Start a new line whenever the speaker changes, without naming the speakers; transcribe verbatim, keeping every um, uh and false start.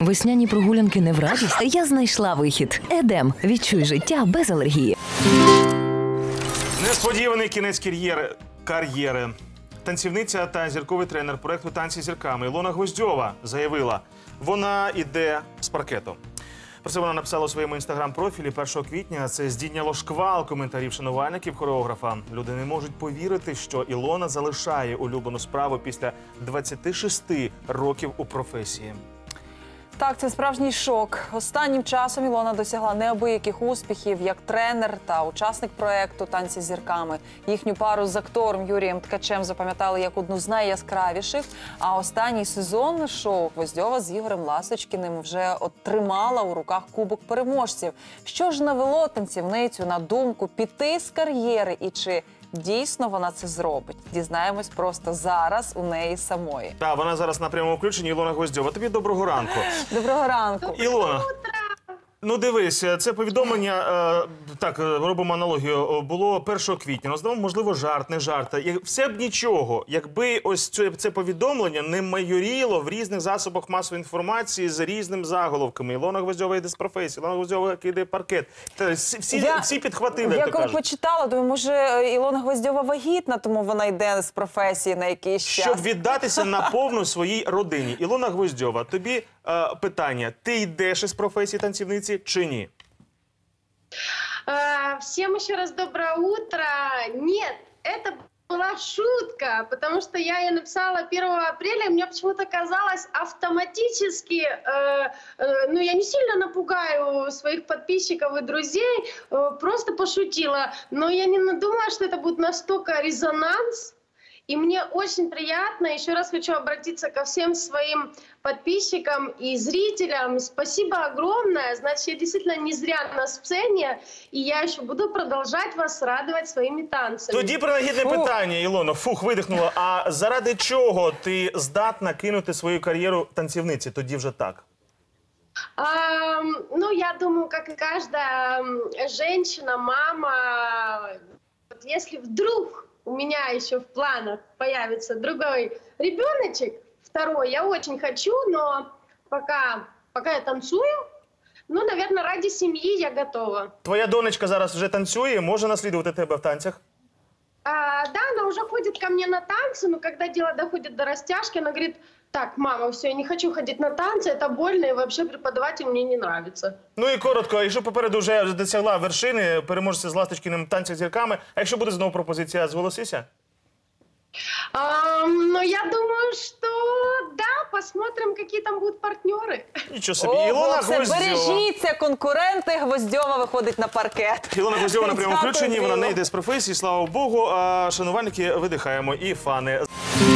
Весняні прогулянки не в радість? Я знайшла вихід. Едем. Відчуй життя без алергії.
Несподіваний кінець кар'єри. кар'єри. Танцівниця та зірковий тренер проєкту «Танці з зірками» Ілона Гвоздьова заявила, вона йде з паркету. Про це вона написала у своєму інстаграм-профілі першого квітня. Це здійняло шквал коментарів шанувальників хореографа. Люди не можуть повірити, що Ілона залишає улюблену справу після двадцяти шести років у професії.
Так, це справжній шок. Останнім часом Ілона досягла неабияких успіхів як тренер та учасник проєкту «Танці з зірками». Їхню пару з актором Юрієм Ткачем запам'ятали як одну з найяскравіших. А останній сезон шоу Гвоздьова з Ігорем Ласточкіним вже отримала у руках кубок переможців. Що ж навело танцівницю на думку піти з кар'єри і чи дійсно вона це зробить? Дізнаємось просто зараз у неї самої.
Так, вона зараз на прямому включенні. Ілона Гвоздьова, тобі доброго ранку.
Доброго ранку.
Ілона, ну дивись, це повідомлення, е, так, робимо аналогію, було першого квітня. Ну, знову, можливо, жарт, не жарт. Все б нічого, якби ось це, це повідомлення не майоріло в різних засобах масової інформації з різними заголовками. Ілона Гвоздьова йде з професії, Ілона Гвоздьова кидає паркет. Всі,
я,
всі підхватили,
я
як то кажуть.
Я коли почитала, думаю, може Ілона Гвоздьова вагітна, тому вона йде з професії на якийсь час.
Щоб віддатися наповну своїй родині. Ілона Гвоздьова, тобі е, питання, ти йдеш із професії танцівниці чи ні?
Всем еще раз доброе утро. Нет, это была шутка, потому что я ее написала первого апреля, и мне почему-то казалось автоматически, э, э, ну я не сильно напугаю своих подписчиков и друзей, э, просто пошутила, но я не думала, что это будет настолько резонанс. И мне очень приятно, еще раз хочу обратиться ко всем своим подписчикам и зрителям. Спасибо огромное. Значит, я действительно не зря на сцене, и я еще буду продолжать вас радовать своими танцами.
Тоді принагідне питання, Ілоно. Фух, видихнула. А заради чого ти здатна кинути свою кар'єру танцівниці? Тоді вже так.
А, ну, я думаю, как и каждая женщина, мама, вот если вдруг у меня еще в планах появится другой ребеночек, второй, я очень хочу, но пока, пока я танцую, ну, наверное, ради семьи я готова.
Твоя донечка зараз вже танцює, може наслідувати тебе в танцях?
А, да, она уже ходит ко мне на танцы, но когда дело доходит до растяжки, она говорит: так, мама, все, я не хочу ходить на танцы, это больно, и вообще преподаватель мне не нравится.
Ну і коротко, якщо попереду вже досягла вершини, переможця з Ласточкіним «Танцях з зірками», а якщо буде знову пропозиція, зголосися?
А, ну, я думаю, что да, посмотрим, какие там будут партнеры.
Нічого собі.
О,
Ілона
все,
Гвоздьова.
бережіться, конкуренти, Гвоздьова виходить на паркет.
Ілона Гвоздьова на прямому
Дякую,
включенні, вона
Іло.
не йде з професії, слава Богу. А шанувальники видихаємо і фани.